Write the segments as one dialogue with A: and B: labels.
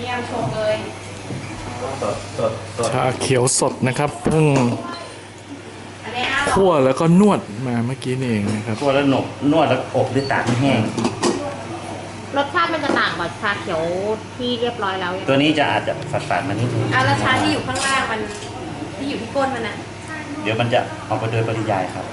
A: นี่ยชงเลย
B: ชาเขียวสดนะครับเพิ่ง
A: อันนี้อ้าว
B: คั่วแล้วก็นวดมาเมื่อกี้นี่เองนะครับ
C: คั่วแล้วนวดแล้วอบด้วยตากให้แห้ง
A: รสชาติมันจะต่างกับชาเขียวที่เรียบร้อยแล้วยัง
C: ตัวนี้จะอาจจะฝาดๆมานิดนึง
A: อ่ะแล้วชาที่อยู่ข้างล่างมันที่อยู่ที่ก้นมันอะ
C: เดี๋ยวมันจะออกไปโดยปริยายครับ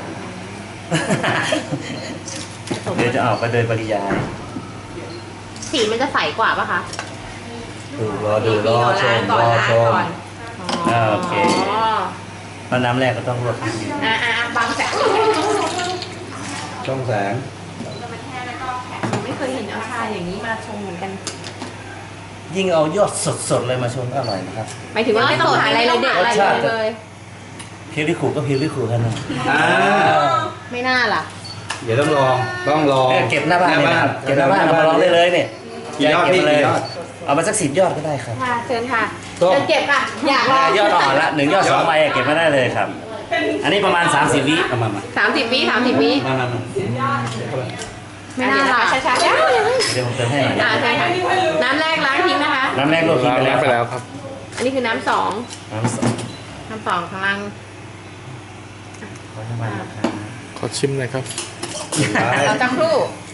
C: เดี๋ยวจะออกไปโดยปริยาย
A: สีมันจะใสกว่าปะคะ
C: รอดูรอชมรอชม โอเค
A: อ๋อ
C: เพราะน้ำแรกก็ต้องลวกนิดนึง
A: บางแสน
D: ช่องแสง
A: ไม่เคยเห็นเอาชาอย่างนี้มาชงเหมือนกัน
C: ยิ่งเอายอดสดๆเลยมาชมก็อร่อยนะครับ
A: หมายถึงว่าไม่ต้องหาอะไรเลยเด็ดอะไรเลย
C: เพียวริคูก็เพียวริคูกันนะ
A: ไม่น่าล่ะ
D: เดี๋ยวต้องลอง
C: เก็บหน้าบ้านเลยนะครับเก็บหน้าบ้านเอามาลองได้เลยเนี่ย
D: กี่ยอด
C: เก็บ
D: พี่
C: มาเลย
D: กี่ยอด
C: เอามาสัก10 ยอดก็ได้ครับ
A: ค่ะเชิญค่ะ
D: ส้ม
A: เชิญเก็บค่ะ อยากลอง
C: ยอดอ่อนละ1 ยอด 2 ใบเก็บมาได้เลยครับ อันนี้ประมาณ30 วิ
D: เอามา
A: 30 วิ30 วิ
D: มา
A: ไม่น่าล่ะช้าๆ
C: เดี๋ยวผมเติมให้หน่อย
A: เชิญค่ะน้ำแรกล้างทิ้งนะคะ
C: น้ำแรกลวกทิ้ง
B: ล้าง
C: ไป
B: แล้
C: แล้ว ว
B: ไปแล้วครับ
A: อันนี้คือน้ำสอง
C: น้ำสด
A: น้ำสองข้างล่าง
C: ขอน้ำมันนะครับ
B: ขอชิมหน่อยครับ
A: เราจะครู่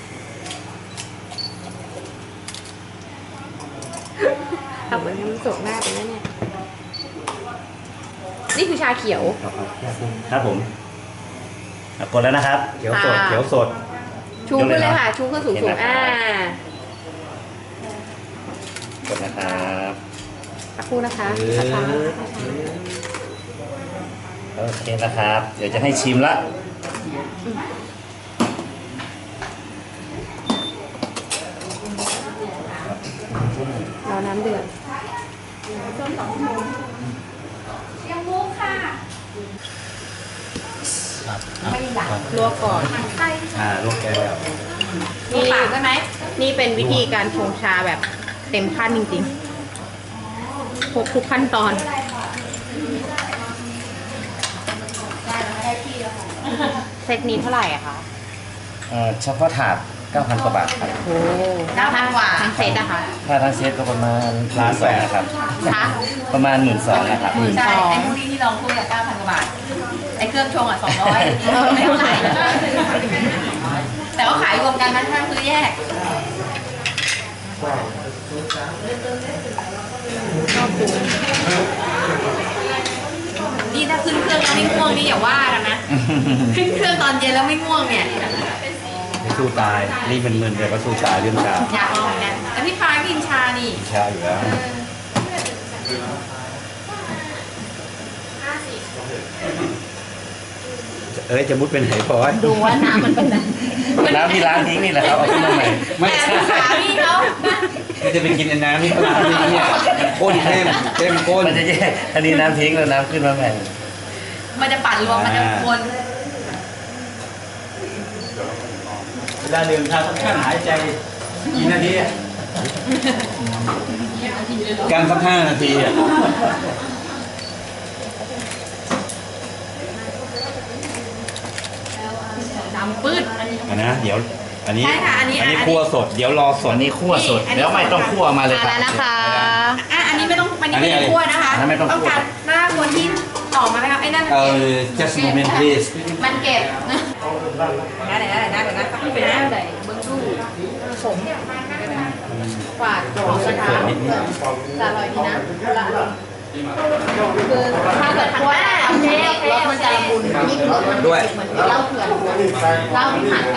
A: ทำเหมือนน้ำสดหน้าไปแล้วเนี่ย นี่คือชาเขียว
C: ครับผมกดแล้วนะครับ
D: เขียวสดเขียวสด
A: ชูขึ้นเลยค่ะ ชูขึ้นสูง
C: เห็น
A: สู
C: ไหม
A: ง
C: ครับ
A: อ่าก
C: ดนะครับ
A: สักครู่นะคะ
C: โอเคนะครับ เดี๋ยวจะให้ชิมละ
A: รอน้ำเดือดลวกก่อน
D: ลวกแก้ว
A: นี่ใช่ไหมนี่เป็นวิธีการชงชาแบบเต็มขั้นจริงๆครบทุกขั้นตอน เซตนี้เท่าไหร่อะคะ
C: เฉพาะถาด 9,000 กว่าบาทครับ
A: โอ้9,000 กว่าทั้งเซตอะคะ
C: ถ้าทั้งเซตก็ประมาณ1,200,000นะครับ
A: คะ
C: ประมาณ12,000นะครับ
A: 12,000
E: ใช่ไอ้พวกนี้ที่ลองคุยกับ 9,000 กว่าบาท ไอ้เครื่องชงอ่ะ 200 ไม่เท่าไหร่ แต่ว่าขายรวมกันนะถ้าซื้อแยก นี่ถ้าขึ้นเครื่องแล้วไม่ง่วงนี่อย่าว่ากันนะ ขึ้นเครื่องตอนเย็นแล้วไม่ง่วงเนี่ย
D: ไม่สู้ตาย นี่เป็นมึนแต่ก็สู้ตายเรื่องชา
E: อยากลองเหมือนกันแต่พี่ฟ้ากินชานี่
D: ชาอยู่แล้วจะมุดเป็นไหพอย
A: ดูว่าน้ำมันเป็นอะไร
C: น้ำที่ล้างทิ้งนี่แหละครับ เอาขึ้นมาใหม่
D: ไม่
E: แต่
D: ใช่
E: ขาพี่เขา
D: ไม่จะไปกินน้ำนี่เขาล้างนี่เนี่ยข้นเข้มข้น
C: มันจะแยกอันนี้น้ำทิ้งแล้วน้ำขึ้นมาใหม่
E: มันจะปั่นรวมมันจะวน
D: เวลาดื่มชาต้องการหายใจกี่นาทีการสัก5 นาทีอ่ะ
E: ดำปื้ด
D: นะเดี๋ยวอันนี้
E: ใช่ค่ะอันนี้
D: คั่วสดเดี๋ยวรอส
C: ส่ว
D: ด
C: นนี้คั่วสดแล้วไม่ต้องคั่วมาเลย
A: มา
C: ครับ
A: แล้วนะคะ
E: อันนี้ไม่ต้องอันนี้
D: อันนี้
E: ไม่ต้องคั่วนะคะ
C: อันนั้นไม่ต้องคั่ว
E: การหน้าคนที่ออกมาไหมครับไอ้นั่น
D: just a moment please
E: มันเก็บนะเดี๋ยวนะเดี๋ยวนะพี่ไปนะเดี๋ยวเบิ้งดูผม
A: กวาดของกระทะจะอร่อยดีนะละคือถ้าเกิดคั่วรสมันจะละมุนยิ่งรสมัน
D: ด้วย
A: เหมือนเหล้าเถื่อนเหล้าที่ผ่านกัน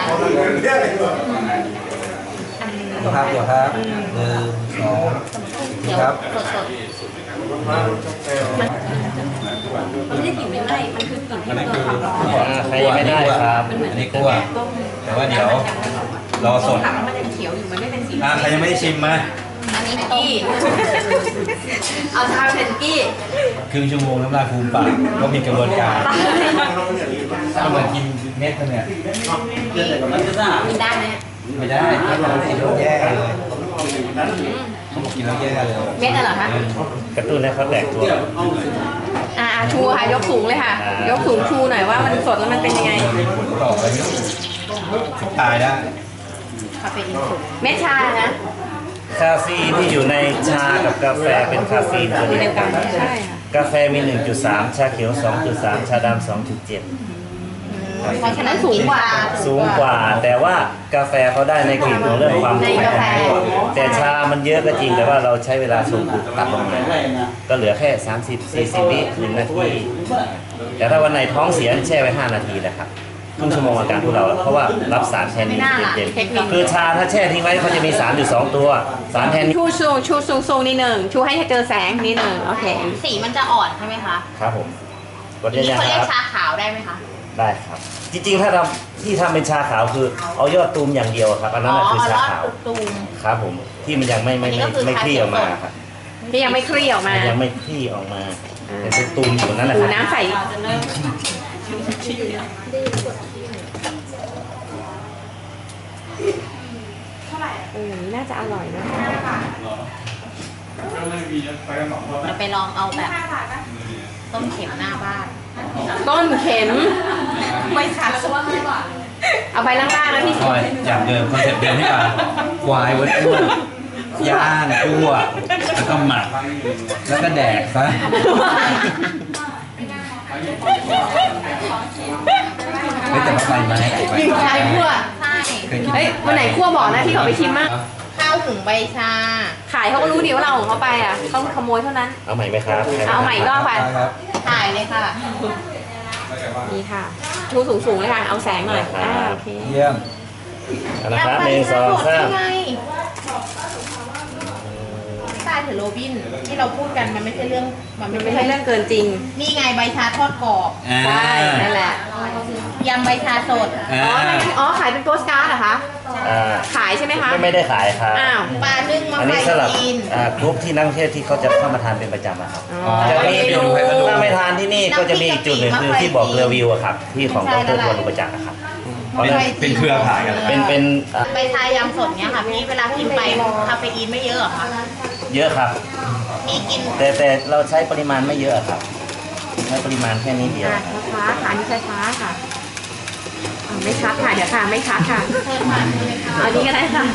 D: ครับเดี๋ยวครับ1 2
A: เดี๋ยว
D: ครับ
A: สด
E: มันไม่ได้กลิ่นไหม้มันคือกลิ่น
D: อัน
E: ที่
D: นี้
E: โด
D: คื
E: น
D: อ
E: ความร้อน
C: ใครยังไม่ได้ครับ
D: อันนี้คั่วแต่ว่าเดี๋ยวรอสด
E: ผักมันยังเขียวอยู่มันไม่เป็นสี
D: ใครยังไม่ได้ชิมมา
E: อันนี้กี้เอาชาเป็นกี้
D: ครึ่งชั่วโมงน้ำลายฟูมปากก็มีกระบวนการก็เหมือนกินเม็ดมันเนี่ย
E: กินได้ไหม
D: ไม่ได้กินแล้วแย่เลยเขาบอกกินแล้วแย่เลย
A: เม็ดน่ะเหรอคะ
C: กระตุ้นให้เขาแตกตัว
A: ชูค่ะยกสูงเลยค่ะ ยกสูงชูหน่อยว่ามันสดแล้วมันเป็นยังไง
D: ผลต่อไปตายได้
A: คาเฟอีนสูงเม็ดชานะ
C: ใช่าเฟอีนที่อยู่ในชากับกาแฟเป็นคาเฟอีนตัวเดียวกัน
E: ใช่ค่ะ
C: กาแฟมี 1.3 ชาเขียว 2.3 ชาดำ 2.7
A: เพราะฉะนั้นสูงกว่า
C: สูงกว่า แต่ว่ากาแฟเขาได้ในกลิ่นของเรื่องความหอม
A: ในกาแฟ
C: แต่ชามันเยอะก็จริงแต่ว่าเราใช้เวลาชงตัดลงมาก็เหลือแค่ 30-40 วิ1 นาที แต่ถ้าวันไหนท้องเสียแช่ไว้ 5 นาทีนะครับครึ่งชั่วโมงอาการทุเราเพราะว่ารับสารแทนนินเย็นๆคือชาถ้าแช่ทิ้งไว้เขาจะมีสารอยู่2ตัวสารแทนนิน
E: ชูสูงนิดหนึ่งชูให้เจอแสงนิดหนึ่งโอเค
A: สีมันจะอ่อนใช่ไหมคะ
C: ครับผมกด
A: ทีนี้
C: ยัง
A: เขา
C: ๆ
A: เรีย
C: ค
A: ก
C: รับ
A: ชาขาวได้ไหมคะ
C: ได้ครับ จริงๆถ้าที่ทำเป็นชาขาวคือเอายอดตูมอย่างเดียวครับอันนั้นน่ะคือชาขาว
A: ตูม
C: ครับผมที่มันยังไม่
A: อันนี้ก็คือ
C: คลี่ออกมาครับ
E: ที่ยังไม่คลี่ออกมา
C: มันยังไม่คลี่ออกมาแต่เป็นตูมอยู่นั่นแหละ
E: หู
C: ครับ
E: น้ำใสน่าจะอร่อยนะ
A: เราไปลองเอาแบบต้มเข็มหน้าบ้าน
E: ต้นเข็ม
A: ไม่ค่ะ
E: เอาไปล่างๆนะพี่
D: คอยอย่างเดิมคอนเซ็ปต์เดิมที่ว่าควายวัดอ้วนย่างคั่วแล้วก็หมัก แล้วก็แดกซะ ไม่แต่ว่าใบไม้
E: ยิงชายคั่ว
A: ใช่
D: เคยกิน
E: เฮ้ยวันไหนคั่วบอกนะที่เขาไปชิมมั้ง
A: ข้าวหุงใบชา
E: ขายเขาก็รู้ดีว่าเราของเขาไปอ่ะต้องขโมยเท่านั้น
C: เอาใหม่ไหมครับ
E: เอาใหม่อีกรอบไป
D: ครับ
A: ถ่ายเลยค่ะ
E: นี่ค่ะชูสูงๆเลยค่ะ เอาแสงหน่อยโอเค
D: เยี่ยม
C: เอานะครับ1 2 3
A: ไงใต้ถือโรบินที่เราพูดกันมันไม่ใช่เรื่อง
E: มันไม่ใช่เรื่องเกินจริง
A: นี่ไงใบชาทอดกรอบ
E: ใช่นั่นแหละ
A: ยำใบชาสด
E: อ๋อขายเป็นโปสการ์ดเหรอคะ
C: อ่า
E: ขายใช่ไหมคะ
C: ไม่ได้ขายครับ
E: อ้าว
A: ปลานึ่งมะ
C: อัน
A: ไฟ
C: นี้สำหรับ
A: จีน
C: กรุ๊ปที่นักท่องเที่ยวที่เขาจะเข้ามาทานเป็นประจำอะครับ
E: อ๋อ
C: จะมี
E: เมนู
C: ถ้าไม่ทานที่นี่ก็จะมีอีกจุดหนึ่งคือที่บอกเรือวิวอะครับที่ของดรพลอุปจักรอะครับเพราะฉะนั้น
D: เป็นเครือข่ายกันเลย
C: เป็น
A: ใบชายำสดเนี้ยค่ะพี่เวลากินไปคาเฟอีนไม่เยอะเหรอคะ
C: เยอะครับ
A: มีกิน
C: แต่เราใช้ปริมาณไม่เยอะครับใช้ปริมาณแค่นี้เดียว
E: ช้าๆค่ะนี่ช้าๆค่ะไม่ชัดค่ะเดี๋ยวค่ะไม่ชัดค่ะ
A: เพิ่มมาใช่ไหมคะ
E: เอาดีก็ได้ค่ะ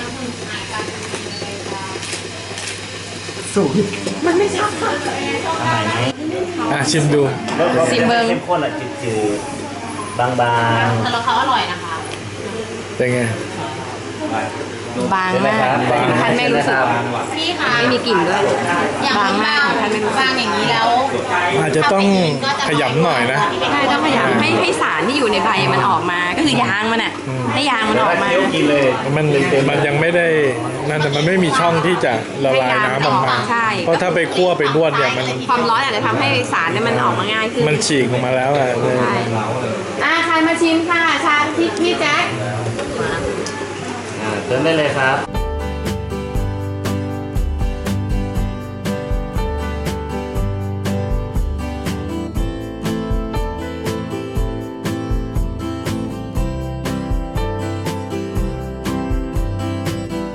E: มันไม่ชัดค่ะ
C: ทำไมไหม
B: ชิมดู
E: ซิมเบิ้ง
C: เข้มข้นอะจืดๆบาง
A: แต่เราเขาอร่อยนะคะ
B: เป็นไง
E: บางมากท่านไม่รู้สึก
A: พี่คะ
E: ไม่มีกลิ่นด้วย
A: อย่าง
E: บางมากท่านไม่รู้สึ
A: บาก งอย่างนี้แล้ว
B: อาจจะต้องขยำหน่อยนะ
E: ใช่ต้องพยายามให้สารที่อยู่ในใบมันออกมา ก็คือยางมันอ่ะ ให้ยาง
C: ๆ
E: มันออกมา
C: เคี้ยวกินเลย
B: มันยังไม่ได้นั่นแต่มันไม่มีช่องที่จะละลายน้ำออกมา
E: ใช่
B: เพราะถ้าไปคั่วไปนวดเนี่ยมัน
E: ความร้อนอาจจะทำให้สารเนี่ยมันออกมาง่ายขึ้น
B: มันฉีกออกมาแล้วอ่ะ
E: ใช่ใครมาชิมค่ะ ชาพี่แจ็ค
C: เติมได้เลยครับ